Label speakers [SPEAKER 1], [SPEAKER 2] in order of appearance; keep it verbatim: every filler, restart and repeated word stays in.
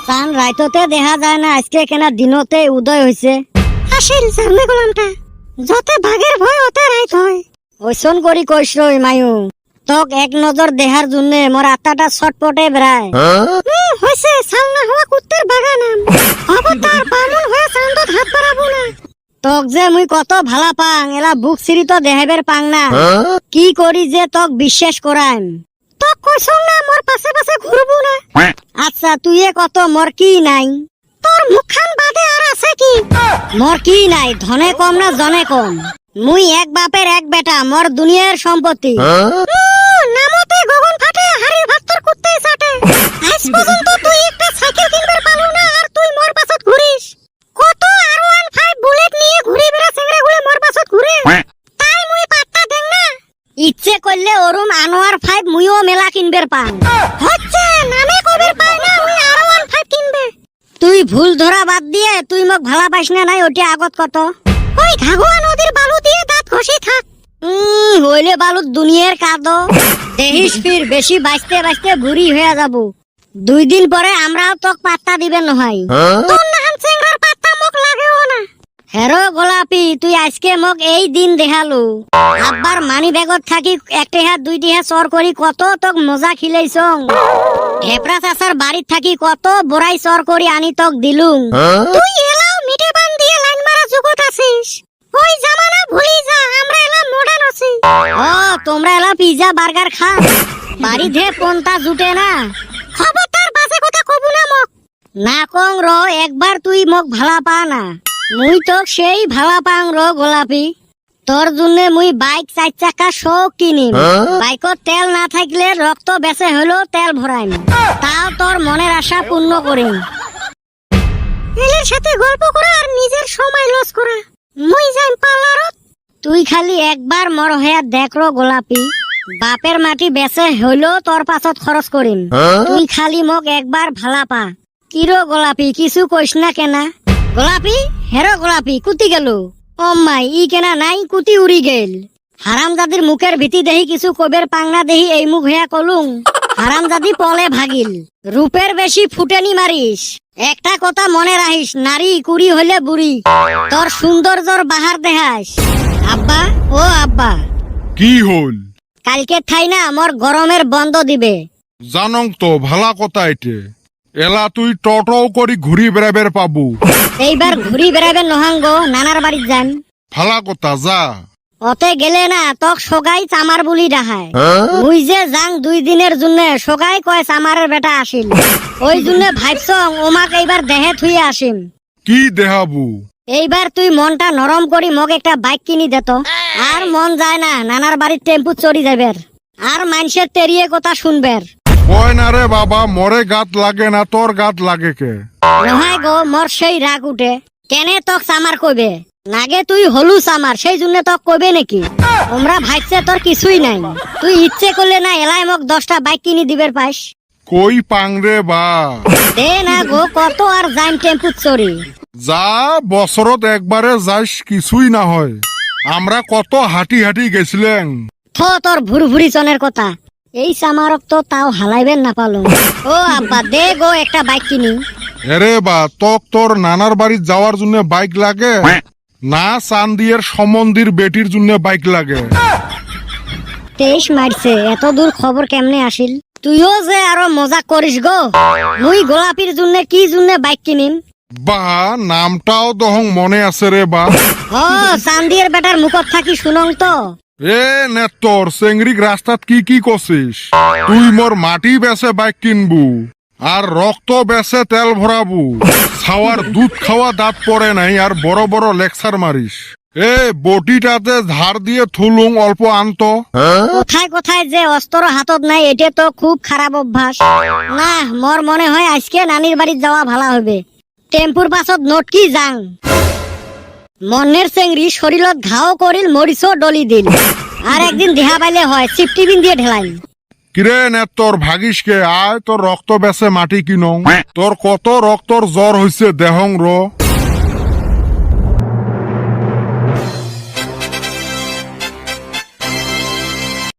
[SPEAKER 1] চান রাইততে দেখা যায় না, আজকে কেনা দিনতে উদয় হয়েছে।
[SPEAKER 2] আসিল জানে গোলামটা, যতে বাঘের ভয় ওতে রাইত হয়।
[SPEAKER 1] ওইসন করি কইস রই মায়ু, তক এক নজর দেহার জন্য মোর আত্মাটা ছটপটে বেড়ায়।
[SPEAKER 2] হুম, হইছে সাল না হওয়া কুত্তের বাগানাম। অবতার বামুন হয়ে চান্দত হাত বাড়াবো না।
[SPEAKER 1] তক যে মুই কত ভালা পাং, এলা বুক সিরি তো দেহাবের পাং না। কি করি যে তক বিশ্বাস করাইম।
[SPEAKER 2] তক কইছং না মোর পাশে পাশে ঘুরবো না।
[SPEAKER 1] আচ্ছা তুই কত, মোর কি নাই?
[SPEAKER 2] তোর মুখখান বাদে আর আছে কি?
[SPEAKER 1] মোর কি নাই, ধনে কম না জনে কম। মুই এক বাপের এক বেটা, মোর দুনিয়ার সম্পত্তি।
[SPEAKER 2] নামতে গগন ফাটে, হাড়ির ভাত তোর কুত্তেই চাটে। আজ পর্যন্ত তুই একটা সাইকেল কিনবার পালো না, আর তুই মোর পাছত ঘুরিস। কত আর ওয়ান ফাইভ বুলেট নিয়ে ঘুরি বেড়া চেংড়া গুলো মোর পাছত ঘুরে। তাই মুই পাত্তা দেং না।
[SPEAKER 1] ইচ্ছে করলে ওরুম আনোয়ার ফাইভ মুইও মেলা কিনবের পাং।
[SPEAKER 2] হচ্ছে নামে কবির পাই না মুই আর ওয়ান ফাইভ কিনবে।
[SPEAKER 1] তুই ভুল ধরা বাদ দিয়ে তুই মোক ভালা পাইস না নাই ওটি আগত কত।
[SPEAKER 2] ওই ঘাগুয়া নদীর বালু দিয়ে দাঁত ঘষি থাক।
[SPEAKER 1] উম হইলে বালুত দুনিয়ার কাদো। দেহিস ফির বেশি বাঁচতে বাঁচতে বুড়ি হয়ে যাব। দুই দিন পরে আমরাও তোক পাত্তা দিবেন নহয়।
[SPEAKER 2] তোর নাহান চেংড়ার পাত্তা মোক লাগেও না।
[SPEAKER 1] হেরো গোলাপি, তুই আজকে মোক এই দিন দেখালু। আব্বার মানি ব্যাগত থাকি একটি হাত দুইটি হাত চর করি কত তোক মজা খিলাইছং। হেপরা চাচার বাড়িত থাকি কত বড়াই চর করি আনি তোক দিলুম।
[SPEAKER 2] তুই এলাও মিটে বান দিয়ে লাইন মারা জগত আছিস। ওই জামানা ভুলি যা, আমরা এলা মডার্ন আছি।
[SPEAKER 1] ও তোমরা এলা পিজা বার্গার খা, বাড়ি ধে পন্তা জুটে না।
[SPEAKER 2] খবরদার বাজে কথা কবু না মোক।
[SPEAKER 1] না কং র, একবার তুই মোক ভালা পা না। মুই তোক সেই ভালা পাং র গোলাপি। তোর জন্য মুই বাইক চার চাকা শোক কিনিম। বাইকত তেল না থাকলে রক্ত বেঁচে হলেও তেল ভরাইম, তাও তোর মনের আশা পূর্ণ করিম।
[SPEAKER 2] এলের সাথে গল্প করা আর নিজের সময় লস করা। মুই যাইম পার্লারত।
[SPEAKER 1] তুই খালি একবার মর হইয়া দেখ র গোলাপি, বাপের মাটি বেঁচে হইলেও তোর পাছত খরচ করিম। তুই খালি মোক একবার ভালা পা। কিরো গোলাপি, কিছু কইস না কেনা? গোলাপি, হেরো গোলাপি, কুতি গেল? ও মাই, ই কেনা নাই, কুতি উড়ি গেল। হারামজাদির মুখের ভীতি দেহি কিছু কবের পাংনা দেহি এই মুখ হইয়া কলুং। হারামজাদি পলে ভাগিল। রূপের বেশি ফুটেনি মারিস। একটা কথা মনে রাখিস, নারী কুড়ি হইলে বুড়ি। তোর সৌন্দর্যর বাহার দেখাস। আব্বা, ও আব্বা,
[SPEAKER 3] কি হল?
[SPEAKER 1] কালকে থাই না মোর গরমের বন্ধ দিবে।
[SPEAKER 3] জানং তো ভালা কথা এটে। এলা তুই টটও করি ঘুরি বেড়াবের পাবু।
[SPEAKER 1] এইবার ঘুরি বেড়াবেন নহাঙ্গ, নানার বাড়িত যান।
[SPEAKER 3] ভালা কথা, যা।
[SPEAKER 1] অতে গেলে না তক সগাই চামার বুলি ডাহায়। মুই যে যাং দুই দিনের জন্য, সগাই কয় চামারের বেটা আসিল। ওই জন্য ভাবছং ওমাক এইবার দেহে থুয়ে আসিম।
[SPEAKER 3] কি দেহাবু?
[SPEAKER 1] এইবার তুই মনটা নরম করি মোক একটা বাইক কিনি দেত। আর মন যায় না নানার বাড়ির টেম্পু চড়ি যাবের, আর মানুষের তেরিয়ে কথা শুনবের।
[SPEAKER 3] কয় না রে বাবা, মরে গাত লাগে না, তোর গাত লাগে কে?
[SPEAKER 1] নহয় গো, মোর সেই রাগ উঠে। কেনে তক চামার কইবে? নাগে তুই হলু চামার, সেই জন্য তক কইবে নাকি? তোমরা ভাবছে তোর কিছুই নাই। তুই ইচ্ছে করলে না এলাই মোক দশটা বাইক কিনি দিবের পাইস।
[SPEAKER 3] কই পাং রে বা?
[SPEAKER 1] দে না গো, কত আর যাইম টেম্পু চড়ি।
[SPEAKER 3] যা, বছরত একবারে যাইস, কিছুই না হয়। আমরা কত হাঁটি হাঁটি গেছিলেন।
[SPEAKER 1] থ তোর ভুরভুরি চনের কথা। এই চামারক তো তাও হালাইবেন না পালো। ও আব্বা, দে গো একটা বাইক কিনি।
[SPEAKER 3] এরে বা, তক তোর নানার বাড়ি যাওয়ার জন্য বাইক লাগে না চান্দিয়ের সম্বন্ধীর বেটির জন্য বাইক লাগে?
[SPEAKER 1] তেইশ মারছে, এত দূর খবর কেমনে আসিল? তুইও যে আরো মজা করিস গো। মুই গোলাপির জন্য কি জন্য বাইক কিনিম?
[SPEAKER 3] বা, নামটাও দহং মনে আছে রে বা।
[SPEAKER 1] ও চান্দিয়ের বেটার মুখত থাকি শুনং তো।
[SPEAKER 3] এ নেতর চেংড়িক রাস্তাত কি কি করছিস? তুই মোর মাটি বেচে বাইক কিনবু, আর রক্ত বেচে তেল ভরাবু। ছাওয়ার দুধ খাওয়া দাঁত পড়ে নাই, আর বড় বড় লেকচার মারিস। এ বটিটাতে ধার দিয়ে থুলুং অল্প আনত।
[SPEAKER 1] কোথায় কোথায় যে অস্ত্র হাতত নাই, এটা তো খুব খারাপ অভ্যাস। না, মোর মনে হয় আজকে নানির বাড়িত যাওয়া ভালো হবে। টেম্পুর পাছত নোট কি যাং। মনের চেংড়ি শরীরত ঘাও করিল, মরিচও ডলি দিল। আর একদিন দেহা পাইলে হয়, চিপটিবিন দিয়ে ঢেলাই।
[SPEAKER 3] কিরে নেতর ভাগিস কে? আয় তোর রক্ত বেচে মাটি কিনং। তোর কত রক্তর জ্বর হইছে দেহং র।